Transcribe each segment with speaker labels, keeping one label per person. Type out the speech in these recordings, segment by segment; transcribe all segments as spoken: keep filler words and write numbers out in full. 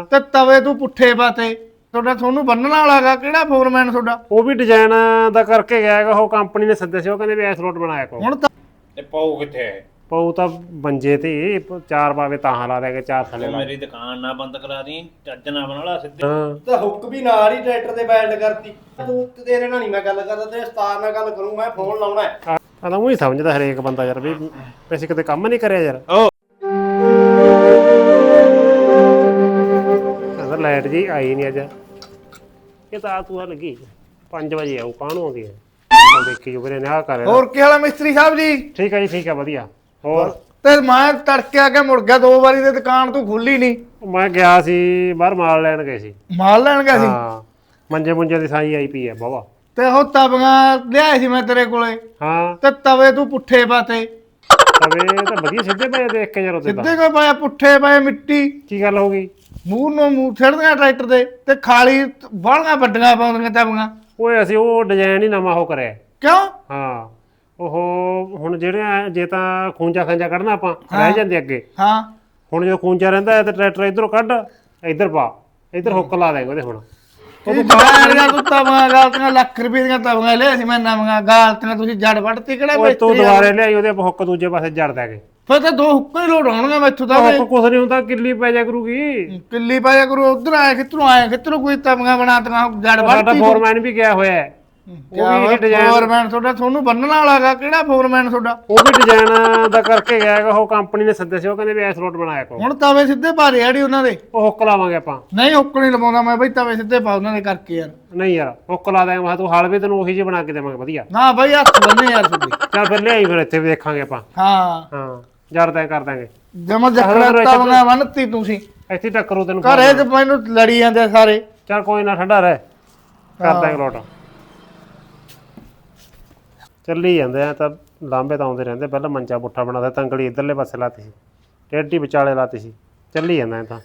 Speaker 1: ਤੇ ਤਵੇ ਤੂੰ ਪੁੱਠੇ ਪਾਤੇ ਤੁਹਾਡਾ ਤੁਹਾਨੂੰ ਬੰਨਣ ਵਾਲਾਗਾ ਕਿਹੜਾ ਫੋਰਮੈਨ ਤੁਹਾਡਾ
Speaker 2: ਉਹ ਵੀ ਡਿਜ਼ਾਈਨ ਦਾ ਕਰਕੇ ਗਿਆ ਹੈਗਾ ਉਹ ਕੰਪਨੀ ਨੇ ਸੱਦੇ ਸੀ ਉਹ ਕਹਿੰਦੇ ਵੀ ਐਸ ਲੋਟ ਬਣਾਇਆ ਕੋ
Speaker 1: ਹੁਣ ਤਾਂ
Speaker 3: ਤੇ ਪਾਉ ਕਿੱਥੇ ਹੈ
Speaker 2: ਪਊ ਤਾਂ ਬੰਜੇ ਤੇ ਚਾਰ ਪਾਵੇ ਤਾਂ ਲਾ ਦੇਗੇ ਚਾਰ ਥੱਲੇ
Speaker 3: ਤੂੰ
Speaker 2: ਲਾ
Speaker 3: ਮੇਰੀ ਦੁਕਾਨ ਨਾ ਬੰਦ ਕਰਾ ਦੀ ਚੱਜ ਨਾ ਬਣਾ ਲਾ ਸਿੱਧੇ
Speaker 2: ਹਾਂ
Speaker 4: ਤਾਂ ਹੁੱਕ ਵੀ ਨਾਲ ਹੀ ਟਰੈਕਟਰ ਤੇ ਬੈਲਡ ਕਰਤੀ ਤੂੰ ਤੇਰੇ ਨਾਲ ਨਹੀਂ ਮੈਂ ਗੱਲ ਕਰਦਾ ਤੇ ਉਸਤਾਦ ਨਾਲ ਗੱਲ ਕਰੂੰ ਮੈਂ ਫੋਨ ਲਾਉਣਾ ਹੈ
Speaker 2: ਆ ਤਾਂ ਉਹੀ ਸਮਝਦਾ ਹਰੇਕ ਬੰਦਾ ਯਾਰ ਵੀ ਵੈਸੇ ਕਿਤੇ ਕੰਮ ਨਹੀਂ ਕਰਿਆ ਯਾਰ ਕਹਿੰਦਾ ਲਾਈਟ ਜੀ ਆਈ ਨਹੀਂ ਅੱਜ ਇਹ ਤਾਂ ਤੂੰ ਆ ਲੱਗੀ ਪੰਜ ਵਜੇ ਆਉ ਕਾਹਨੂੰ ਆਉਂਦੀ ਹੈ ਚੱਲ ਦੇਖੀ ਜੋ ਵੀਰੇ ਨੇ ਆਹ ਕਰਿਆ
Speaker 1: ਹੋਰ ਕੀ ਹਾਲ ਹੈ ਮਿਸਤਰੀ ਸਾਹਿਬ ਜੀ
Speaker 2: ਠੀਕ ਹੈ ਜੀ ਠੀਕ ਹੈ ਵਧੀਆ ਹੋਰ
Speaker 1: ਤੇ ਮੈਂ ਤੜਕੇ ਆ ਕੇ ਮੁੜ ਗਿਆ ਦੋ ਵਾਰੀ ਤੇ ਦੁਕਾਨ ਤੂੰ ਖੁੱਲੀ ਨਹੀਂ
Speaker 2: ਮੈਂ ਗਿਆ ਸੀ ਬਾਹਰ ਮਾਲ ਲੈਣ ਗਏ ਸੀ
Speaker 1: ਮਾਲ ਲੈਣ ਗਿਆ ਸੀ
Speaker 2: ਹਾਂ ਮੰਜੇ ਮੁੰਜੇ ਦੀ ਸਾਈ ਆਈ ਪਈ ਹੈ ਬਾਬਾ
Speaker 1: ਤੇ ਉਹ ਤਵੀਆਂ ਲਿਆਏ ਸੀ ਮੈਂ ਤੇਰੇ ਕੋਲੇ
Speaker 2: ਹਾਂ
Speaker 1: ਤੇ ਤਵੇ ਤੂੰ ਪੁੱਠੇ ਪਾਤੇ
Speaker 2: ਤਵੇ ਤਾਂ ਵਧੀਆ ਸਿੱਧੇ ਪਏ ਦੇਖ ਕੇ ਯਾਰ ਉੱਤੇ ਤਾਂ
Speaker 1: ਸਿੱਧੇ ਕੋ ਪਾਇਆ ਪੁੱਠੇ ਪਏ ਮਿੱਟੀ
Speaker 2: ਕੀ ਗੱਲ ਹੋ ਗਈ
Speaker 1: ਮੂੰਹ ਨੂੰ ਮੂੰਹ ਛੱਡਦੀਆਂ ਟਰੈਕਟਰ ਦੇ ਤੇ ਖਾਲੀ ਬਾਹਲੀਆਂ ਵੱਡੀਆਂ ਪਾਉਂਦੀਆਂ ਤਵੀਆਂ
Speaker 2: ਓਏ ਅਸੀਂ ਉਹ ਡਿਜ਼ਾਈਨ ਹੀ ਨਵਾਂ ਉਹ ਕਰਿਆ
Speaker 1: ਕਿਉਂ
Speaker 2: ਹਾਂ ਉਹ ਹੁਣ ਜਿਹੜੇ ਜੇ ਤਾਂ ਖੂੰਜਾ ਖਾਂਜਾ ਕੱਢਣਾ ਆਪਾਂ ਰਹਿ ਜਾਂਦੇ ਅੱਗੇ
Speaker 1: ਹਾਂ
Speaker 2: ਹੁਣ ਜੇ ਖੂੰਜਾ ਰਹਿੰਦਾ ਹੈ ਤੇ ਟਰੈਕਟਰ ਇਧਰੋਂ ਕੱਢ ਇੱਧਰ ਪਾ ਇੱਧਰ ਹੁੱਕ ਲਾ ਦੇਂਗੇ ਉਹਦੇ ਹੁਣ
Speaker 1: ਉਹ ਦੁਕਾਨ ਤੂੰ ਤਵੀਆਂ ਗਾਲਤੀਆਂ ਲੱਖ ਰੁਪਏ ਦੀਆਂ ਤਵੀਆਂ ਲਿਆ ਸੀ ਮੈਂ ਨਵੀਆਂ ਗਾਲਤੀਆਂ ਤੁਸੀਂ ਜੜ ਵੱਢਤੀ ਕਿਹੜਾ
Speaker 2: ਓਏ ਤੂੰ
Speaker 1: ਮਿਸਤਰੀ ਆ?
Speaker 2: ਦੁਬਾਰੇ ਲਿਆਈ ਉਹਦੇ ਆਪਾਂ ਹੁੱਕ ਦੂਜੇ ਪਾਸੇ ਜੜ ਦੇਗੇ
Speaker 1: ਫਿਰ ਤਾਂ ਦੋ ਹੁੱਕਾਂ ਹੀ ਲੋਡ ਹੋਣਗੇ ਮੈਥੋਂ ਤਾਂ
Speaker 2: ਹੁੱਕ ਕੁਛ ਨਹੀਂ ਹੁੰਦਾ ਕਿੱਲੀ ਪੈ ਜਾ ਕਰੂਗੀ
Speaker 1: ਕਿੱਲੀ ਪਾਇਆ ਕਰੂ ਉਧਰ ਆਇਆ ਕਿੱਧਰੋਂ ਆਇਆ ਕਿੱਧਰੋਂ ਕੋਈ ਤਵੀਆਂ ਬਣਾਤੀਆਂ ਜੜ
Speaker 2: ਸਾਡਾ
Speaker 1: ਵੱਢਤੀ
Speaker 2: ਫੋਰਮੈਨ ਵੀ ਗਿਆ ਹੋਇਆ ਹੈ ਉਹ ਵੀ ਡਿਜ਼ਾਈਨ
Speaker 1: ਫੋਰਮੈਨ ਤੁਹਾਡਾ ਤੁਹਾਨੂੰ ਬੰਨਣ ਵਾਲਾਗਾ ਕਿਹੜਾ ਫੋਰਮੈਨ ਤੁਹਾਡਾ
Speaker 2: ਉਹ ਵੀ ਡਿਜ਼ਾਈਨ ਦਾ ਕਰਕੇ ਗਿਆ ਹੈਗਾ ਉਹ ਕੰਪਨੀ ਨੇ ਸੱਦੇ ਸੀ ਉਹ ਕਹਿੰਦੇ ਵੀ ਐਸ ਲੋਟ ਬਣਾਇਆ ਕੋ
Speaker 1: ਹੁਣ ਤਵੇ ਸਿੱਧੇ ਪਾ ਰਹੇ ਆੜੀ ਉਹਨਾਂ ਦੇ
Speaker 2: ਉਹ ਹੁੱਕ ਲਾਵਾਂਗੇ ਆਪਾਂ
Speaker 1: ਨਹੀਂ ਹੁੱਕ ਨਹੀਂ ਲਵਾਉਂਦਾ ਮੈਂ ਬਈ ਤਵੇ ਸਿੱਧੇ ਪਾ ਉਹਨਾਂ ਦੇ ਕਰਕੇ ਯਾਰ
Speaker 2: ਨਹੀਂ ਯਾਰ ਹੁੱਕ ਲਾ ਦੇਂਗੇ ਮੈਂ ਤੂੰ ਹਾਲ ਵੀ ਤੈਨੂੰ ਉਹੀ ਜਿਹੀ ਬਣਾ ਕੇ ਦੇਵਾਂਗੇ ਵਧੀਆ
Speaker 1: ਨਾ ਬਈ ਹੱਥ ਬੰਨੇ ਯਾਰ ਤੁਹਾਡੇ
Speaker 2: ਚੱਲ ਫਿਰ ਲਿਆਈ ਫਿਰ ਇੱਥੇ ਵੀ ਦੇਖਾਂਗੇ ਆਪਾਂ
Speaker 1: ਹਾਂ
Speaker 2: ਹਾਂ ਜੜ ਤੈਅ ਕਰ ਦਾਂਗੇ
Speaker 1: ਜਮਾ ਜੱਕੜਾ ਤਵੀਆਂ ਬੰਨਤੀ ਤੁਸੀਂ
Speaker 2: ਇੱਥੇ ਟੱਕਰੂ ਤੈਨੂੰ
Speaker 1: ਘਰੇ ਤੇ ਮੈਨੂੰ ਲੜੀ ਜਾਂਦੇ ਸਾਰੇ
Speaker 2: ਚੱਲ ਕੋਈ ਨਾ ਠੰਡਾ ਰਹਿ ਕਰ ਦਾਂਗੇ ਲੋਟ ਚੱਲੀ ਜਾਂਦੇ ਆ ਤਾਂ ਲਾਂਬੇ ਤਾਂ ਆਉਂਦੇ ਰਹਿੰਦੇ ਪਹਿਲਾਂ ਮੰਚਾ ਪੁੱਠਾ ਬਣਾਦਾ ਤੰਗੜੀ ਇਧਰਲੇ ਪਾਸੇ ਲਾਤੀ ਸੀ ਟੇਢੀ ਵਿਚਾਲੇ ਲਾਤੀ ਸੀ ਚੱਲੀ ਜਾਂਦਾ ਤਾਂ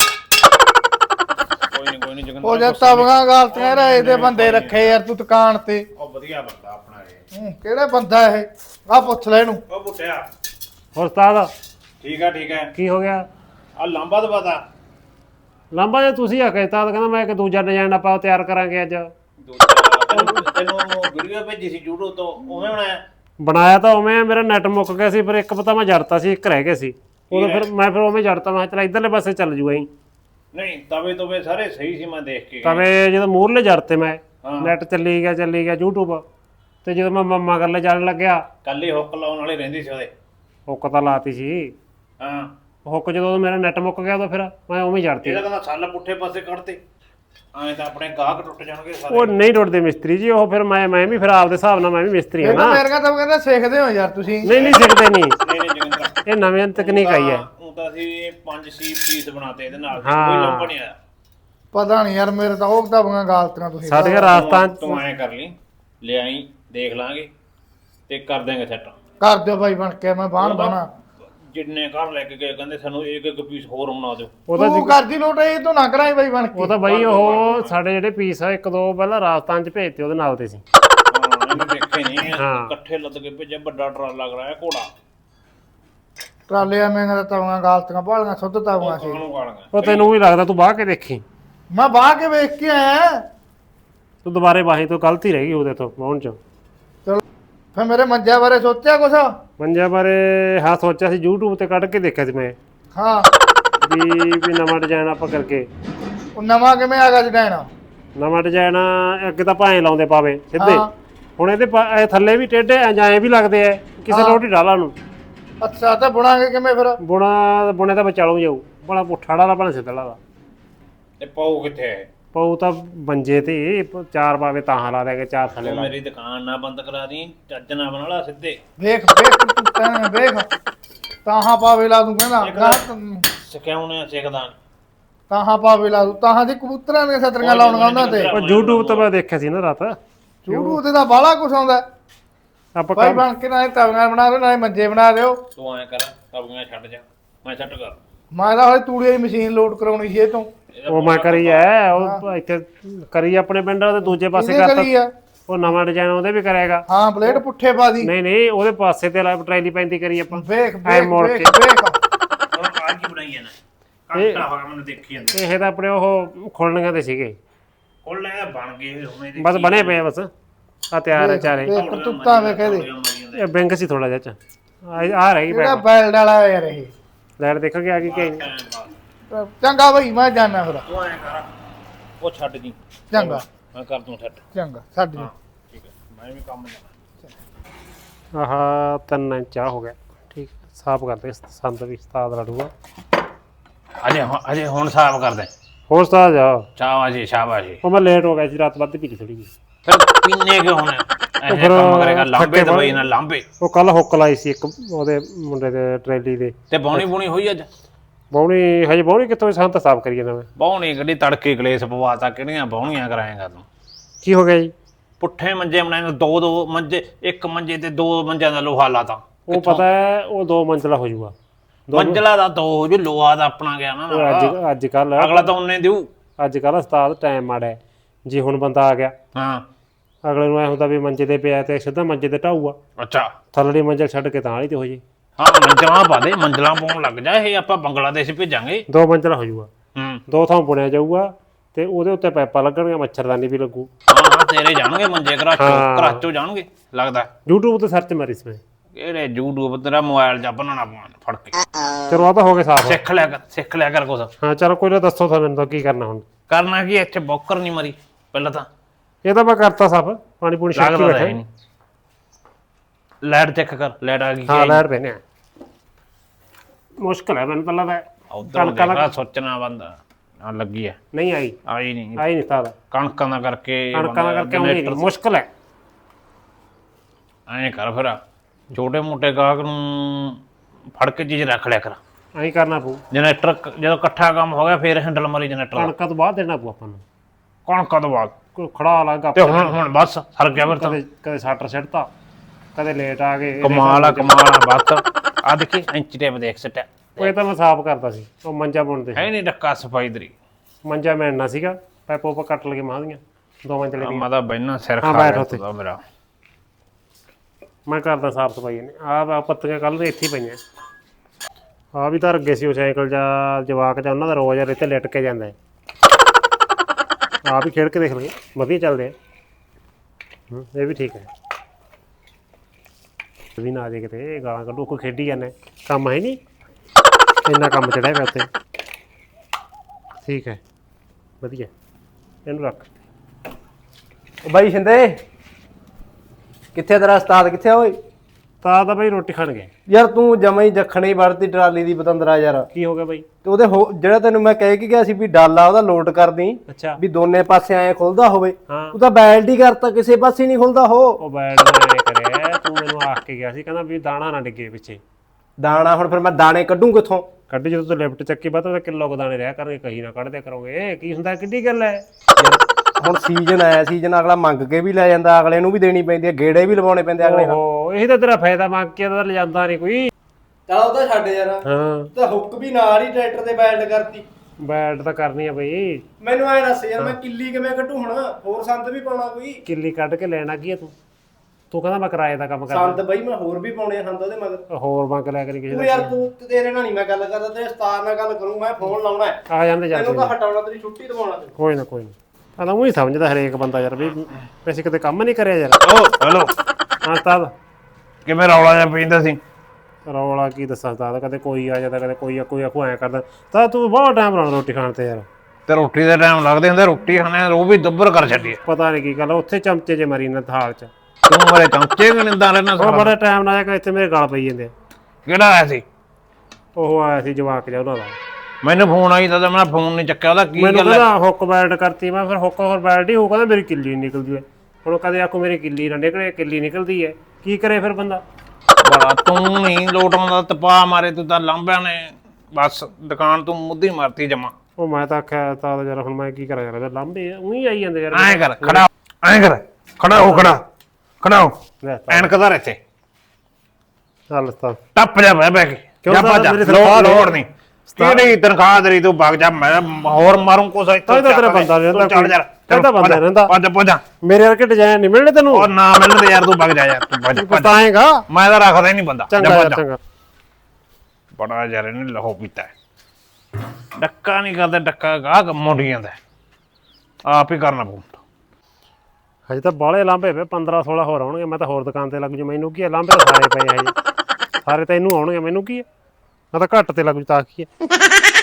Speaker 3: ਕੋਈ ਨਹੀਂ ਕੋਈ ਨਹੀਂ ਜਗਨ
Speaker 1: ਉਹ ਜਦ ਤਵੀਆਂ ਗਾਲਤੀਆਂ ਰਹੇ ਤੇ ਬੰਦੇ ਰੱਖੇ ਯਾਰ ਤੂੰ ਦੁਕਾਨ ਤੇ
Speaker 3: ਉਹ ਵਧੀਆ ਬੰਦਾ ਆਪਣਾ ਇਹ
Speaker 1: ਹੂੰ, ਕਿਹੜਾ ਬੰਦਾ ਇਹ ਆ ਪੁੱਛ ਲੈ ਇਹਨੂੰ
Speaker 3: ਉਹ ਪੁੱਟਿਆ
Speaker 2: ਹੋਰ ਉਸਤਾਦ
Speaker 3: ਠੀਕ ਆ ਠੀਕ ਹੈ
Speaker 2: ਕੀ ਹੋ ਗਿਆ
Speaker 3: ਆ ਲੰਬਾ ਤਾਂ ਪਤਾ
Speaker 2: ਲਾਂਬਾ ਜੇ ਤੁਸੀਂ ਆ ਕੇ ਉਸਤਾਦ ਕਹਿੰਦਾ ਮੈਂ ਇੱਕ ਦੂਜਾ ਡਿਜ਼ਾਈਨ ਆਪਾਂ ਤਿਆਰ ਕਰਾਂਗੇ ਅੱਜ
Speaker 3: ਤੈਨੂੰ ਤੈਨੂੰ ਵੀਡੀਓ ਭੇਜੀ ਸੀ YouTube ਤੋਂ ਉਵੇਂ ਬਣਾਇਆ
Speaker 2: ਬਣਾਇਆ ਤਾਂ ਉਵੇਂ ਮੇਰਾ ਨੈਟ ਮੁੱਕ ਗਿਆ ਸੀ ਪਰ ਇੱਕ ਪਤਾ ਮੈਂ ਜੜਤਾ ਸੀ ਇੱਕ ਰਹਿ ਗਿਆ ਸੀ ਉਦੋਂ ਫਿਰ ਮੈਂ ਫਿਰ ਉਵੇਂ ਜੜਤਾ ਮੈਂ ਚਲ ਇਧਰਲੇ ਪਾਸੇ ਚੱਲ ਜੂਗਾ ਹੀ
Speaker 3: ਨਹੀਂ ਤਵੇ ਤੋਵੇ ਸਾਰੇ ਸਹੀ ਸੀ ਮੈਂ ਦੇਖ ਕੇ
Speaker 2: ਤਵੇ ਜਦੋਂ ਮੂਹਰਲੇ ਜੜਤੇ ਮੈਂ
Speaker 3: ਹਾਂ।
Speaker 2: ਨੈਟ ਚੱਲੀ ਗਿਆ ਚੱਲੀ ਗਿਆ YouTube ਤੇ ਜਦੋਂ ਮੈਂ ਮੰਮਾ ਗੱਲੇ ਜਾਣ ਲੱਗਿਆ
Speaker 3: ਕੱਲ ਹੀ ਹੁੱਕ ਲਾਉਣ ਵਾਲੇ ਰਹਿੰਦੀ ਸੀ ਉਹਦੇ
Speaker 2: ਹੁੱਕ ਤਾਂ ਲਾਤੀ ਸੀ
Speaker 3: ਹਾਂ
Speaker 2: ਹੁੱਕ ਜਦੋਂ ਮੇਰਾ ਨੈਟ ਮੁੱਕ ਗਿਆ ਤਾਂ ਫਿਰ ਮੈਂ ਉਵੇਂ ਜੜਤੀ
Speaker 3: ਇਹਦਾ ਕਹਿੰਦਾ ਸੱਲ ਪੁੱਠੇ ਪਾਸੇ ਕੱਢਤੇ ਐਂ ਤਾਂ ਆਪਣੇ ਗਾਹਕ ਟੁੱਟ ਜਾਣਗੇ ਸਾਰੇ
Speaker 2: ਉਹ ਨਹੀਂ ਟੁੱਟਦੇ ਮਿਸਤਰੀ ਜੀ ਉਹ ਫਿਰ ਮੈਂ ਮੈਂ ਵੀ ਫਿਰ ਆਪਦੇ ਹਿਸਾਬ ਨਾਲ ਮੈਂ ਵੀ ਮਿਸਤਰੀ ਹਾਂ
Speaker 1: ਇਹ ਤਾਂ
Speaker 2: ਨਾ
Speaker 1: ਮੇਰੇ ਤਾਂ ਕਹਿੰਦਾ ਸਿੱਖਦੇ ਹੋ ਯਾਰ ਤੁਸੀਂ
Speaker 2: ਨਹੀਂ ਨਹੀਂ ਸਿੱਖਦੇ ਨਹੀਂ
Speaker 3: ਨਹੀਂ ਨਹੀਂ ਜਗਨ
Speaker 2: ਇਹ ਨਵੀਂ ਤਕਨੀਕ ਆਈ ਹੈ
Speaker 3: ਉਹ ਤਾਂ ਅਸੀਂ ਪੰਜ ਛੇ ਪੀਸ ਬਣਾਤੇ ਇਹਦੇ ਨਾਲ
Speaker 2: ਹਾਂ।
Speaker 3: ਕੋਈ ਲੰਬਾ ਨਹੀਂ ਆਇਆ
Speaker 1: ਪਤਾ ਨਹੀਂ ਯਾਰ ਮੇਰੇ ਤਾਂ ਉਹ ਤਵੀਆਂ ਗਾਲਤੀਆਂ ਤੁਸੀਂ
Speaker 2: ਸਾਡੇ ਰਾਜਸਥਾਨ
Speaker 3: ਤੂੰ ਐਂ ਕਰ ਲਈ ਲਿਆਈ ਦੇਖ ਲਾਂਗੇ ਤੇ ਕਰ ਦਾਂਗੇ ਸੈੱਟ
Speaker 1: ਕਰ ਦਿਓ ਭਾਈ ਬਣ ਕੇ ਮੈਂ ਬਾਹਣ ਬਾਣਾ
Speaker 3: ਜਿੰਨੇ ਘਰ ਲੈ ਕੇ ਗਏ ਕਹਿੰਦੇ ਸਾਨੂੰ ਇੱਕ ਇੱਕ ਪੀਸ ਹੋਰ ਬਣਾ ਦਿਓ
Speaker 2: ਉਹਦਾ
Speaker 1: ਤੂੰ ਕਰਦੀ ਲੋਟ ਇਹ ਤੂੰ ਨਾ ਕਰਾਈ ਬਾਈ ਬਣ ਕੇ
Speaker 2: ਉਹ ਤਾਂ ਬਾਈ ਉਹ ਸਾਡੇ ਜਿਹੜੇ ਪੀਸ ਆ ਇੱਕ ਦੋ ਪਹਿਲਾਂ ਰਾਜਸਥਾਨ ਚ ਭੇਜਤੇ ਉਹਦੇ ਨਾਲ ਤੇ ਸੀ
Speaker 3: ਹਾਂ ਇਹਨੇ ਦੇਖੇ ਨਹੀਂ
Speaker 2: ਹਾਂ।
Speaker 3: ਇਕੱਠੇ ਲੱਦ ਕੇ ਭੇਜਿਆ ਵੱਡਾ ਟਰਾਲਾ ਕਰਾਇਆ ਘੋੜਾ
Speaker 1: ਟਰਾਲੇ ਐਵੇਂ ਦਾ ਤਵੀਆਂ ਗਾਲਤੀਆਂ ਬਾਲੀਆਂ ਸੁੱਧ ਤਵੀਆਂ ਸੀ
Speaker 3: ਕਾਹਨੂੰ ਗਾਲਾਂਗਾ
Speaker 2: ਉਹ ਤੈਨੂੰ ਵੀ ਲੱਗਦਾ ਤੂੰ ਬਾਹ ਕੇ ਦੇਖੀ
Speaker 1: ਮੈਂ ਬਾਹ ਕੇ ਵੇਖ ਕੇ ਆਇਆ
Speaker 2: ਤੂੰ ਦੁਬਾਰੇ ਬਾਹੀ ਤੋਂ ਗਲਤੀ ਰਹਿ ਗਈ ਉਹਦੇ ਤੋਂ ਪਹੁੰਚ ਚ
Speaker 1: ਚਲੋ ਫਿਰ ਮੇਰੇ ਮੰਜਿਆਂ ਬਾਰੇ ਸੋਚਿਆ ਕੁਛ
Speaker 2: ਮੰਜਾ ਬਾਰੇ ਹਾਂ ਸੋਚਿਆ ਸੀ YouTube ਤੇ ਕੱਢ ਕੇ ਦੇਖਿਆ ਸੀ ਮੈਂ
Speaker 1: ਹਾਂ
Speaker 2: ਵੀ ਵੀ ਨਵਾਂ ਡਿਜ਼ਾਈਨ ਆਪਾਂ ਕਰਕੇ
Speaker 1: ਉਹ ਨਵਾਂ ਕਿਵੇਂ ਆ ਗਿਆ ਡਿਜ਼ਾਈਨ
Speaker 2: ਨਵਾਂ ਡਿਜ਼ਾਈਨ ਅੱਗੇ ਤਾਂ ਭਾਵੇਂ ਲਾਉਂਦੇ ਪਾਵੇ ਸਿੱਧੇ
Speaker 1: ਹਾਂ।
Speaker 2: ਹੁਣ ਇਹਦੇ ਪਾ- ਇਹ ਥੱਲੇ ਵੀ ਟੇਢੇ ਐਂ ਵੀ ਲੱਗਦੇ ਐ ਕਿਸੇ ਰੋਟੀ ਡਾਲਾ ਨੂੰ
Speaker 1: ਅੱਛਾ ਤਾਂ ਬੁਣਾਂਗੇ ਕਿਵੇਂ ਫਿਰ
Speaker 2: ਬੁਣਾ ਬੁਣੇ ਤਾਂ ਵਿਚਾਲੂ ਜਾਊ ਬੜਾ ਪੁੱਠਾ ਡਾਲਾ ਬਣਾ ਸਿੱਧਾ ਲਾ
Speaker 3: ਤੇ ਪਾਉ ਕਿੱਥੇ ਹੈ
Speaker 2: ਪਊ ਤਾਂ ਬੰਜੇ ਤੇ ਚਾਰ ਪਾਵੇ ਤਾਂ ਲਾ ਦੇਗੇ ਚਾਰ ਥੱਲੇ
Speaker 3: ਤੂੰ
Speaker 2: ਲਾ
Speaker 3: ਮੇਰੀ ਦੁਕਾਨ ਨਾ ਬੰਦ ਕਰਾ ਦੀ ਚੱਜ ਨਾ ਬਣਾ ਲਾ ਸਿੱਧੇ
Speaker 1: ਵੇਖ ਵੇਖ ਤੂੰ ਕਹਿਣਾ ਵੇਖ ਤਾਹਾਂ ਪਾਵੇ ਲਾ ਤੂੰ ਕਹਿੰਦਾ ਨਾ ਤੂੰ-
Speaker 3: ਸਿਖਾਉਣੇ ਸਿੱਖਦਾ
Speaker 1: ਤਾਹਾਂ ਪਾਵੇ ਲਾ ਤੂੰ ਤਾਹਾਂ ਦੀ ਕਬੂਤਰਾਂ ਦੀਆਂ ਸਤਰੀਆਂ ਲਾਉਣੀਆਂ ਉਹਨਾਂ ਤੇ
Speaker 2: ਉਹ YouTube ਤੋਂ ਮੈਂ ਦੇਖਿਆ ਸੀ ਨਾ ਰਾਤ
Speaker 1: ਚੂੜੂ ਤੇ ਤਾਂ ਬਾਹਲਾ ਕੁਛ ਆਉਂਦਾ
Speaker 2: ਆਪਾਂ
Speaker 1: ਭਾਈ
Speaker 2: ਕੰਮ-
Speaker 1: ਬਣ ਕੇ ਨਾਲੇ ਤਵੀਆਂ ਬਣਾ ਦਿਓ ਨਾਲੇ ਮੰਜੇ ਬਣਾ ਦਿਓ
Speaker 3: ਤੂੰ ਐਂ ਕਰ ਤਬੀਆਂ ਛੱਡ ਜਾ ਮੈਂ ਸੈੱਟ ਕਰ
Speaker 1: ਮੈਂ ਤਾਂ ਹਲੇ ਤੂੜੀ ਦੀ ਮਸ਼ੀਨ ਲੋਡ ਕਰਾਉਣੀ ਸੀ ਇਹ ਤੋਂ
Speaker 2: ਉਹ ਮੈਂ ਕਰੀ ਐ ਉਹ ਇੱਥੇ ਕਰੀ ਆਪਣੇ ਪਿੰਡ ਉਹਦੇ ਦੂਜੇ ਪਾਸੇ
Speaker 1: ਕਿਹਨੇ
Speaker 2: ਕਰਤਾ
Speaker 1: ਕਰੀ ਆ
Speaker 2: ਉਹ ਨਵਾਂ ਡਿਜ਼ਾਈਨ ਉਹਦੇ ਵੀ ਕਰੇਗਾ
Speaker 1: ਹਾਂ ਪਲੇਟ ਪੁੱਠੇ ਪਾ ਦੀ
Speaker 2: ਨਹੀਂ ਨਹੀਂ ਉਹਦੇ ਪਾਸੇ ਤੇ ਟਰੈਲੀ ਪੈਂਦੀ ਕਰੀ ਆਪਾਂ
Speaker 1: ਵੇਖ
Speaker 2: ਐ
Speaker 1: ਵੇਖ
Speaker 2: ਮੋੜ
Speaker 1: ਵੇਖ
Speaker 2: ਕੇ
Speaker 1: ਵੇਖ
Speaker 3: ਹੁਣ ਆ ਕੀ ਬਣਾਈ ਹੈ ਨਾ ਘੰਟਾ ਹੋ ਗਿਆ ਮੈਨੂੰ ਦੇਖੀ ਜਾਂਦੇ।
Speaker 2: ਇਹ ਤਾਂ ਆਪਣੇ ਉਹ ਖੁੱਲਣੀਆਂ ਤੇ ਸੀਗੇ,
Speaker 3: ਕੋਲ ਲੈ ਬਣ ਗਏ ਹੁਣ ਇਹਦੇ
Speaker 2: ਬਸ ਬਣੇ ਪਏ ਆ ਬਸ ਆ ਤਿਆਰ ਆ ਚਾਰੇ।
Speaker 1: ਵੇਖ ਕਰਤੂਤਾਂ ਵੇਖ ਇਹਦੇ।
Speaker 2: ਇਹ ਬੈਂਕ ਸੀ ਥੋੜਾ ਜਿਹਾ ਚ ਆ ਰਹੀ
Speaker 1: ਇਹਦਾ
Speaker 2: ਬੈਂਕ
Speaker 1: ਬੈਲਟ ਵਾਲਾ ਯਾਰ ਇਹ।
Speaker 2: ਲੈਟ ਦੇਖੋਗੇ ਆ ਗਈ ਕਿ
Speaker 1: ਚੰਗਾ ਬਈ ਮੈਂ ਜਾਣਾ ਫਿਰ।
Speaker 3: ਤੂੰ ਐ ਕਰ ਉਹ ਛੱਡ ਜੀ,
Speaker 1: ਚੰਗਾ
Speaker 3: ਮੈਂ ਕਰ ਦੂੰ ਛੱਡ।
Speaker 1: ਚੰਗਾ ਛੱਡ ਜੀ।
Speaker 3: ਠੀਕ ਹੈ ਮੈਂ ਵੀ ਕੰਮ ਜਾਣਾ।
Speaker 2: ਆਹ ਤਿੰਨ ਇੰਚ ਆ ਹੋ ਗਿਆ ਠੀਕ, ਸਾਫ਼ ਕਰਦੇ ਸੰਦ ਵੀ ਉਸਤਾਦ ਲੜੂਗਾ।
Speaker 3: ਅਜੇ ਹੁਣ- ਅਜੇ ਹੁਣ ਸਾਫ਼ ਕਰ ਦੇ।
Speaker 2: ਹੋਰ ਉਸਤਾਦ ਜਾ
Speaker 3: ਸ਼ਾਬਾਸ਼ ਸ਼ਾਬਾਸ਼।
Speaker 2: ਉਹ ਮੈਂ ਲੇਟ ਹੋ ਗਿਆ ਸੀ, ਰਾਤ ਵੱਧ ਪੀ ਲਈ ਥੋੜੀ ਜਿਹੀ।
Speaker 3: ਫਿਰ ਪੀਨੇ ਕਿਉਂ ਹੁਣ ਇਹ
Speaker 2: ਫਿਰ
Speaker 3: ਕੰਮ ਕਰੇਗਾ ਲਾਂਬੇ
Speaker 2: ਥੱਕੇ
Speaker 3: ਦਵਾਈ ਨਾਲ ਲਾਂਬੇ।
Speaker 2: ਉਹ ਕੱਲ ਹੁੱਕ ਲਾਈ ਸੀ ਇੱਕ ਉਹਦੇ ਮੁੰਡੇ ਦੇ ਟਰੈਲੀ ਦੇ,
Speaker 3: ਤੇ ਬੌਣੀ ਬੁਣੀ ਹੋਈ ਅੱਜ?
Speaker 2: ਬੌਣੀ ਹਜੇ ਬੌਣੀ ਕਿੱਥੋਂ ਸੰਦ ਤਾਂ ਸਾਫ਼ ਕਰੀਏ ਨਵੇਂ।
Speaker 3: ਬੌਣੀ ਗੱਡੀ ਤੜਕੇ ਕਲੇਸ਼ ਪਵਾਤਾ, ਕਿਹੜੀਆਂ ਬੌਣੀਆਂ ਕਰਾਏਗਾ ਤੂੰ?
Speaker 2: ਕੀ ਹੋ ਗਿਆ ਜੀ?
Speaker 3: ਪੁੱਠੇ ਮੰਜੇ ਬਣਾਏ ਨੇ, ਦੋ ਦੋ ਮੰਜੇ, ਇੱਕ ਮੰਜੇ ਤੇ ਦੋ ਮੰਜਿਆਂ ਦਾ ਲੋਹਾ ਲਾਤਾ।
Speaker 2: ਉਹ ਪਤਾ ਹੈ ਉਹ ਦੋ ਮੰਜ਼ਲਾ ਹੋ ਜਾਊਗਾ।
Speaker 3: ਮੰਜਲਾ ਦਾ ਦੋ ਹੋ ਜੂ, ਲੋਹਾ ਦਾ ਆਪਣਾ ਗਿਆ ਨਾ
Speaker 2: ਉਹ ਅੱਜ ਅੱਜ ਕੱਲ
Speaker 3: ਅਗਲਾ ਤਾਂ ਉਹਨੇ ਦਿਉ।
Speaker 2: ਅੱਜ ਕੱਲ ਉਸਤਾਦ ਟਾਈਮ ਮਾੜਾ ਹੈ। ਜੇ ਹੁਣ ਬੰਦਾ ਆ ਗਿਆ
Speaker 3: ਹਾਂ
Speaker 2: ਅਗਲੇ ਨੂੰ ਐ ਹੁੰਦਾ ਵੀ ਮੰਜੇ ਤੇ ਪਿਆ ਤੇ ਸਿੱਧਾ ਮੰਜੇ ਤੇ ਢਾਊਗਾ,
Speaker 3: ਅੱਛਾ
Speaker 2: ਥੱਲੜੀ ਮੰਜ਼ਲ ਛੱਡ ਕੇ ਤਾਂ ਵਾਲੀ ਤੇ ਹੋ ਜੇ।
Speaker 3: ਹਾਂ ਮੰਜਲਾਂ ਪਾ ਦੇ, ਮੰਜਲਾਂ ਪਾਉਣ ਲੱਗ ਜਾ। ਇਹ ਆਪਾਂ ਬੰਗਲਾਦੇਸ਼ ਭੇਜਾਂਗੇ।
Speaker 2: ਦੋ ਮੰਜ਼ਲਾ ਹੋ ਜਾਊਗਾ,
Speaker 3: ਹੂੰ
Speaker 2: ਦੋ ਥਾਂ ਬੁਣਿਆ ਜਾਊਗਾ ਤੇ ਉਹਦੇ ਉੱਤੇ ਪਾਈਪਾਂ ਲੱਗਣਗੀਆਂ, ਮੱਛਰਦਾਨੀ ਵੀ ਲੱਗੂ।
Speaker 3: ਹਾਂ ਹਾਂ ਤੇਰੇ ਜਾਣਗੇ ਮੰਜੇ ਘਰਾਚੋ
Speaker 2: ਹਾਂ।
Speaker 3: ਘਰਾਚੋ ਜਾਣਗੇ ਲੱਗਦਾ।
Speaker 2: YouTube ਤੇ ਸਰਚ ਮਾਰੀ ਇਸ ਮੈਂ।
Speaker 3: ਕਿਹੜੇ YouTube ਤੇਰਾ ਮੋਬਾਈਲ ਜਾਂ ਬਣਾਉਣਾ ਪਾਉਣਾ ਫੜ ਕੇ।
Speaker 2: ਚਲੋ ਆ ਤਾਂ ਹੋ ਗਿਆ ਸਾਫ਼।
Speaker 3: ਸਿੱਖ ਲਿਆ ਕਰ, ਸਿੱਖ ਲਿਆ ਕਰ ਕੁਛ।
Speaker 2: ਹਾਂ ਚਲੋ ਕੋਈ ਨਾ, ਦੱਸੋ ਤਾਂ ਮੈਨੂੰ ਤਾਂ ਕੀ ਕਰਨਾ ਹੁਣ।
Speaker 3: ਕਰਨਾ ਕੀ ਇੱਥੇ ਬੌਕਰ ਨਹੀਂ ਮਰੀ ਪਹਿਲਾਂ ਤਾਂ।
Speaker 2: ਇਹ ਤਾਂ ਮੈਂ ਕਰਤਾ ਸਾਫ਼, ਪਾਣੀ ਪੂਣੀ ਛੱਡ ਕੇ
Speaker 3: ਲੱਗਦਾ
Speaker 2: ਬੈਠਾ।
Speaker 3: ਹੈ ਨਹੀਂ। ਲਾਈਟ ਚੈੱਕ ਕਰ, ਲਾਈਟ ਆ ਗਈ।
Speaker 2: ਹਾਂ ਲੈਟ ਪੈਨੇ ਆ, ਮੁਸ਼ਕਲ ਹੈ ਮੈਨੂੰ ਪਹਿਲਾਂ ਤਾਂ।
Speaker 3: ਉਧਰ ਦੇਖਾ ਸੋਚਣਾ ਬੰਦਾ ਆ ਲੱਗੀ ਹੈ,
Speaker 2: ਨਹੀਂ ਆਈ
Speaker 3: ਆਈ ਨਹੀਂ।
Speaker 2: ਆਈ ਨਹੀਂ ਉਸਤਾਦ,
Speaker 3: ਕਣਕਾਂ ਦਾ ਕਰਕੇ
Speaker 2: ਕਣਕਾਂ ਦਾ ਕਰਕੇ ਆਉਂਦੀ ਨਹੀਂ, ਮੁਸ਼ਕਲ ਹੈ।
Speaker 3: ਐਂ ਕਰ ਫਿਰ ਛੋਟੇ ਮੋਟੇ ਗਾਹਕ ਨੂੰ ਫੜ ਕੇ ਚੀਜ਼ ਰੱਖ ਲਿਆ ਕਰ।
Speaker 2: ਐਂ ਕਰਨਾ ਪਊ,
Speaker 3: ਜਨਰੇਟਰ ਜਦੋਂ ਇਕੱਠਾ ਕੰਮ ਹੋ ਗਿਆ ਫਿਰ ਹੈਂਡਲ ਮਾਰੀ ਜਨਰੇਟਰ ਦਾ।
Speaker 2: ਕਣਕਾਂ ਤੋਂ ਬਾਅਦ ਦੇਣਾ ਪਊ ਆਪਾਂ ਨੂੰ।
Speaker 3: ਕਣਕਾਂ ਤੋਂ ਬਾਅਦ
Speaker 2: ਕੋਈ ਖੜਾ ਲੱਗਾ
Speaker 3: ਤੇ ਹੁਣ ਹੁਣ ਬਸ ਸਰ ਗਿਆ ਫਿਰ ਤਾਂ।
Speaker 2: ਕਦੇ ਕਦੇ ਸੱਟ ਸਿੱਟਤਾ, ਕਦੇ ਲੇਟ ਆ ਗਏ।
Speaker 3: ਕਮਾਲ ਆ ਕਮਾਲ ਆ ਬਸ। ਆ ਦੇਖੀ ਇੰਚ ਟੇਪ ਦੇਖ ਸਟਿਆ
Speaker 2: ਉਹ ਇਹ ਤਾਂ ਮੈਂ ਸਾਫ਼ ਕਰਦਾ ਸੀ, ਉਹ ਮੰਜਾ ਬੁਣਦੇ
Speaker 3: ਹੈ ਨਹੀਂ ਡੱਕਾ ਸਫਾਈ ਦਰੀ।
Speaker 2: ਮੰਜਾ ਮਿਲਣਾ ਸੀਗਾ, ਪੈਪ ਪੋਪ ਕੱਟ ਲਗੇ ਮਾਂ ਦੀਆਂ ਦੋ ਮੰਜਲੇ ਦੀਆਂ।
Speaker 3: ਮੈਂ ਤਾਂ ਬੈਨਾ ਸਿਰ
Speaker 2: ਹਾਂ,
Speaker 3: ਖਾ
Speaker 2: ਬੈਠ
Speaker 3: ਗਿਆ
Speaker 2: ਉੱਥੇ।
Speaker 3: ਤੂੰ ਮੇਰਾ।
Speaker 2: ਮੈਂ ਕਰਦਾ ਸਾਫ਼ ਸਫਾਈ ਨੇ। ਆਹ ਪੱਤੀਆਂ ਕੱਲ ਦੇ ਇੱਥੇ ਹੀ ਪਈਆਂ। ਆ ਵੀ ਤਾਂ ਅੱਗੇ ਸੀ ਉਹ ਸਾਈਕਲ ਜਾਂ ਜਵਾਕ ਜਾਂ ਉਹਨਾਂ ਦਾ ਰੋਜ਼ ਇੱਥੇ ਲਿਟ ਕੇ ਜਾਂਦਾ ਹੈ। ਆ ਵੀ ਖੇਡ ਕੇ ਦੇਖ ਲਈਏ, ਵਧੀਆ ਚੱਲਦੇ ਆ। ਹੂੰ ਇਹ ਵੀ ਠੀਕ ਹੈ। ਵੀ ਨਾ ਆ ਜੇ ਕਿਤੇ ਗਾਲਾਂ ਕੱਢੂ, ਕੋਈ ਖੇਡੀ ਜਾਂਦੇ ਕੰਮ ਹੈ ਨਹੀਂ, ਇੰਨਾ ਕੰਮ ਚੜਿਆ ਪਿਆ ਉੱਤੇ। ਠੀਕ ਹੈ ਵਧੀਆ, ਇਹਨੂੰ ਰੱਖ।
Speaker 4: ਉਹ ਬਾਈ ਸ਼ਿੰਦੇ ਕਿੱਥੇ ਤੇਰਾ ਉਸਤਾਦ, ਕਿੱਥੇ ਆ ਓਏ?
Speaker 2: ਤਾਂ ਤਾਂ ਬਈ ਰੋਟੀ ਖਾਣ ਗਏ।
Speaker 4: ਯਾਰ ਤੂੰ ਜਮਾ ਹੀ ਜਖਣੀ ਵੜਦੀ ਟਰਾਲੀ ਦੀ ਪਤੰਦਰਾ ਯਾਰ।
Speaker 2: ਕੀ ਹੋ ਗਿਆ ਬਾਈ?
Speaker 4: ਤੇ ਉਹਦੇ ਹੋ- ਜਿਹੜਾ ਤੈਨੂੰ ਮੈਂ ਕਹਿ ਕੇ ਗਿਆ ਸੀ ਵੀ ਡਾਲਾ ਉਹਦਾ ਲੋਡ ਕਰਦੀ,
Speaker 2: ਅੱਛਾ
Speaker 4: ਵੀ ਦੋਨੇ ਪਾਸੇ ਐ ਖੁੱਲਦਾ ਹੋਵੇ।
Speaker 2: ਹਾਂ
Speaker 4: ਤੂੰ ਤਾਂ ਬੈਲਟ ਹੀ ਕਰਤਾ, ਕਿਸੇ ਪਾਸੇ ਨਹੀਂ ਖੁੱਲਦਾ ਹੋ।
Speaker 2: ਉਹ ਬੈਡ ਨੇ ਕਰਿਆ, ਤੂੰ ਮੈਨੂੰ ਆਖ ਕੇ ਗਿਆ ਸੀ ਕਹਿੰਦਾ ਵੀ ਦਾਣਾ ਨਾ ਡਿੱਗੇ ਪਿੱਛੇ।
Speaker 4: ਦਾਣਾ ਹੁਣ ਫਿਰ ਮੈਂ ਦਾਣੇ ਕੱਢੂ ਕਿੱਥੋਂ?
Speaker 2: ਕੱਢ ਜਦੋਂ ਤੂੰ ਲਿਫਟ ਚੱਕੀ ਬਾਤ ਉਹਦਾ ਕਿਲੋ ਕੁ ਦਾਣੇ ਰਿਹਾ ਕਰਨਗੇ, ਕਹੀ ਨਾ ਕੱਢਦੇ ਕਰੋਗੇ। ਕੀ ਹੁੰਦਾ, ਕਿੱਡੀ ਗੱਲ ਹੈ?
Speaker 4: ਹੁਣ ਸੀਜ਼ਨ ਆਇਆ, ਸੀਜ਼ਨ ਅਗਲਾ ਮੰਗ ਕੇ ਵੀ ਲੈ ਜਾਂਦਾ, ਅਗਲੇ ਨੂੰ ਵੀ ਦੇਣੀ ਪੈਂਦੀ ਹੈ, ਗੇੜੇ ਵੀ ਲਵਾਉਣੇ ਪੈਂਦੇ ਅਗਲੇ ਨਾਲ।
Speaker 2: ਓਹੋ ਇਹੀ ਤਾਂ ਤੇਰਾ ਫਾਇਦਾ ਮੰਗ ਕੇ ਤਾਂ ਲਿਜਾਂਦਾ ਨਹੀਂ ਕੋਈ।
Speaker 4: ਚਲ ਉਹ ਤਾਂ ਛੱਡ ਯਾਰ,
Speaker 2: ਹਾਂ
Speaker 4: ਤਾਂ ਹੁੱਕ ਵੀ ਨਾਲ ਹੀ ਟਰੈਕਟਰ ਤੇ ਬੈਲਟ ਕਰਤੀ।
Speaker 2: ਬੈਡ ਤਾਂ ਕਰਨੀ ਆ ਬਈ।
Speaker 4: ਮੈਨੂੰ ਐ ਦੱਸ ਯਾਰ ਮੈਂ ਕਿੱਲੀ ਕਿਵੇਂ ਕੱਢੂ ਹੁਣ? ਹੋਰ ਸੰਦ ਵੀ ਪਾਉਣਾ ਕੋਈ?
Speaker 2: ਕਿੱਲੀ ਕੱਢ ਕੇ ਲੈਣਾ ਕੀ ਆ ਤੂੰ? ਤੂੰ ਕਹਿੰਦਾ ਮੈਂ ਕਿਰਾਏ ਦਾ ਕੰਮ
Speaker 4: ਸੰਦ
Speaker 2: ਕਰਦਾ।
Speaker 4: ਬਈ ਮੈਂ ਹੋਰ ਵੀ ਪਾਉਣੇ ਆ ਸੰਦ ਉਹਦੇ ਮਗਰ।
Speaker 2: ਹੋਰ ਮੰਗ ਲਿਆ ਕਰੀ ਕਿਸੇ
Speaker 4: ਤੂੰ
Speaker 2: ਦਾ।
Speaker 4: ਯਾਰ ਤੂੰ ਤੇਰੇ ਨਾਲ ਨਹੀਂ ਮੈਂ ਗੱਲ ਕਰਦਾ, ਤੇਰੇ ਉਸਤਾਦ ਨਾਲ ਗੱਲ ਕਰੂੰ ਮੈਂ। ਫੋਨ ਲਾਉਣਾ ਹੈ,
Speaker 2: ਆ ਜਾਂਦੇ
Speaker 4: ਤੈਨੂੰ
Speaker 2: ਜਾਂਦੇ
Speaker 4: ਤਾਂ ਹਟਾਉਣਾ, ਤੇਰੀ ਛੁੱਟੀ ਦਵਾਉਣਾ ਤੈਨੂੰ।
Speaker 2: ਕੋਈ ਨਾ ਕੋਈ ਨਾ। ਆ ਤਾਂ ਉਹੀ ਸਮਝਦਾ ਹਰੇਕ ਬੰਦਾ ਯਾਰ ਵੀ ਵੈਸੇ ਕਿਤੇ ਕੰਮ ਨਹੀਂ ਕਰਿਆ ਯਾਰ।
Speaker 3: ਓ ਹੈਲੋ
Speaker 2: ਹਾਂ ਉਸਤਾਦ
Speaker 3: ਕਿਵੇਂ ਰੌਲਾ ਜਿਹਾ ਪੈਂਦਾ ਸੀ?
Speaker 2: ਰੌਲਾ ਕੀ ਦੱਸਾਂ ਉਸਤਾਦ, ਕਦੇ ਕੋਈ ਆ ਜਾਂਦਾ, ਕਦੇ ਕੋਈ ਕੋਈ ਆਖੂ ਐਂ ਕਰਦਾ। ਤਾਂ ਤੂੰ ਬਹੁਤ ਟਾਈਮ ਲਾਉਣਾ ਰੋਟੀ ਖਾਣ ਤੇ ਯਾਰ।
Speaker 3: ਤੇ ਰੋਟੀ ਦਾ ਟਾਈਮ ਲੱਗਦੇ ਹੁੰਦੇ, ਰੋਟੀ ਖਾਣੇ ਉਹ ਵੀ ਦੁੱਬਰ ਕਰ ਛੱਡੀ।
Speaker 2: ਪਤਾ ਨਹੀਂ ਕੀ ਗੱਲ, ਉੱਥੇ ਚਮਚੇ ਜੇ ਮਾਰੀ ਨਾ ਥਾਲ 'ਚ।
Speaker 3: ਤੂੰ ਮੇਰੇ ਚਮਚੇ ਗਣਿੰਦਾ ਰਹਿਣਾ
Speaker 2: ਉਹ
Speaker 3: ਸਾਰਾ।
Speaker 2: ਬੜਾ ਟਾਈਮ ਲਾਇਆ ਕਿ ਇੱਥੇ ਮੇਰੇ ਗਲ ਪਈ ਜਾਂਦੇ ਆ।
Speaker 3: ਕਿਹੜਾ ਆਇਆ ਸੀ?
Speaker 2: ਉਹ ਆਇਆ ਸੀ ਜਵਾਕ ਜਿਹਾ ਉਹਨਾਂ ਦਾ।
Speaker 3: ਮੈਨੂੰ ਫੋਨ ਆਈ ਤਾਂ ਮੈਂ ਫੋਨ ਨਹੀਂ ਚੱਕਿਆ। ਉਹਦਾ ਕੀ
Speaker 2: ਮੈਨੂੰ
Speaker 3: ਗੱਲ ਹੈ?
Speaker 2: ਕਹਿੰਦਾ ਹੁੱਕ ਬੈਲਟ ਕਰਤੀ। ਮੈਂ ਫਿਰ ਹੁੱਕ ਹੋਰ ਬੈਲਟ ਹੀ ਹੋ, ਕਹਿੰਦਾ ਮੇਰੀ ਕਿੱਲੀ ਨਿਕਲਦੀ ਹੈ। ਹੁਣ ਕਦੇ ਆਖੋ ਮੇਰੀ ਕਿੱਲੀ ਨਾ ਨਿਕਲੇ, ਕਿੱਲੀ ਨਿਕਲਦੀ ਹੈ, ਕੀ ਕਰੇ ਫਿਰ ਬੰਦਾ?
Speaker 3: ਬੜਾ ਤੂੰ ਨਹੀਂ ਲੋਟ ਆਉਂਦਾ, ਤਪਾ ਮਾਰੇ ਤੂੰ ਤਾਂ ਲਾਂਬਿਆਂ ਨੇ ਬਸ ਦੁਕਾਨ ਤੋਂ ਮੁੱਦੀ ਮਾਰਤੀ ਜਮਾ।
Speaker 2: ਉਹ ਮੈਂ ਤਾਂ ਆਖਿਆ ਤਾਂ ਯਾਰ ਹੁਣ ਮੈਂ ਕੀ ਕਰਾਂ ਯਾਰ, ਲਾਂਬੇ ਉਹੀ ਆਈ ਜਾਂਦੇ ਯਾਰ।
Speaker 3: ਐਂ ਕਰ ਖੜਾ ਐਂ ਕਰ ਖੜਾ ਹੋ ਖੜਾ ਖੜਾ ਹੋ
Speaker 2: ਲੈ ਤਾਂ
Speaker 3: ਐਨਕ ਧਰ ਇੱਥੇ
Speaker 2: ਚੱਲ ਤਾਂ
Speaker 3: ਟੱਪ ਜਾ ਬਹਿ ਬਹਿ ਕੇ
Speaker 2: ਕਿਉਂ
Speaker 3: ਜਾ
Speaker 2: ਤਾਂ
Speaker 3: ਭੱਜ ਜਾ,
Speaker 2: ਮੇਰੀ
Speaker 3: ਲੋੜ
Speaker 2: ਤਨਖਾਹ ਦੇ।
Speaker 3: ਲੋੜ ਨਹੀਂ ਕਿਹੜੀ ਤਨਖਾਹ ਤੇਰੀ? ਤੂੰ ਵਗ ਜਾ, ਮੈਂ ਹੋਰ ਮਾਰੂੰ ਕੁਛ ਇੱਥੇ।
Speaker 2: ਤਾਂ ਤੇਰਾ ਬੰਦਾ ਰਹਿੰਦਾ
Speaker 3: ਚੱਲ ਯਾਰ,
Speaker 2: ਕਹਿੰਦਾ ਬੰਦਾ ਰਹਿੰਦਾ।
Speaker 3: ਭੱਜ ਭੱਜ
Speaker 2: ਮੇਰੇ ਵਰਗੇ ਡਿਜ਼ਾਈਨ ਨਹੀਂ ਮਿਲਣੇ ਤੈਨੂੰ।
Speaker 3: ਉਹ ਨਾ ਮਿਲਣ ਯਾਰ, ਤੂੰ ਵਗ ਜਾ ਯਾਰ, ਤੂੰ ਭੱਜ ਭੱਜ।
Speaker 2: ਪਤਾਏਗਾ
Speaker 3: ਮੈਂ ਤਾਂ ਰੱਖਦਾ ਹੀ ਨਹੀਂ ਬੰਦਾ।
Speaker 2: ਚੰਗਾ
Speaker 3: ਜਾ
Speaker 2: ਯਾਰ
Speaker 3: ਭੱਜ।
Speaker 2: ਚੰਗਾ।
Speaker 3: ਬੜਾ ਯਾਰ ਇਹਨੇ ਲਹੂ ਪੀਤਾ ਹੈ। ਡੱਕਾ ਨਹੀਂ ਕਰਦਾ, ਡੱਕਾ ਗਾਹਕ ਮੁੰਡ ਜਾਂਦਾ, ਆਪ ਹੀ ਕਰਨਾ ਪਊ।
Speaker 2: ਹਜੇ ਤਾਂ ਬਾਹਲੇ ਲਾਂਭੇ ਪਏ, ਪੰਦਰਾਂ ਸੋਲਾਂ ਹੋਰ ਆਉਣਗੇ। ਮੈਂ ਤਾਂ ਹੋਰ ਦੁਕਾਨ ਤੇ ਲੱਗ ਜੂ, ਮੈਨੂੰ ਕੀ ਹੈ, ਲਾਂਭੇ ਤਾਂ ਸਾਰੇ ਪਏ ਹਜੇ, ਸਾਰੇ ਤਾਂ ਇਹਨੂੰ ਆਉਣਗੇ, ਮੈਨੂੰ ਕੀ ਹੈ, ਮੈਂ ਤਾਂ ਘੱਟ ਤੇ ਲੱਗ ਜੂ ਤਾਂ ਕੀ ਹੈ।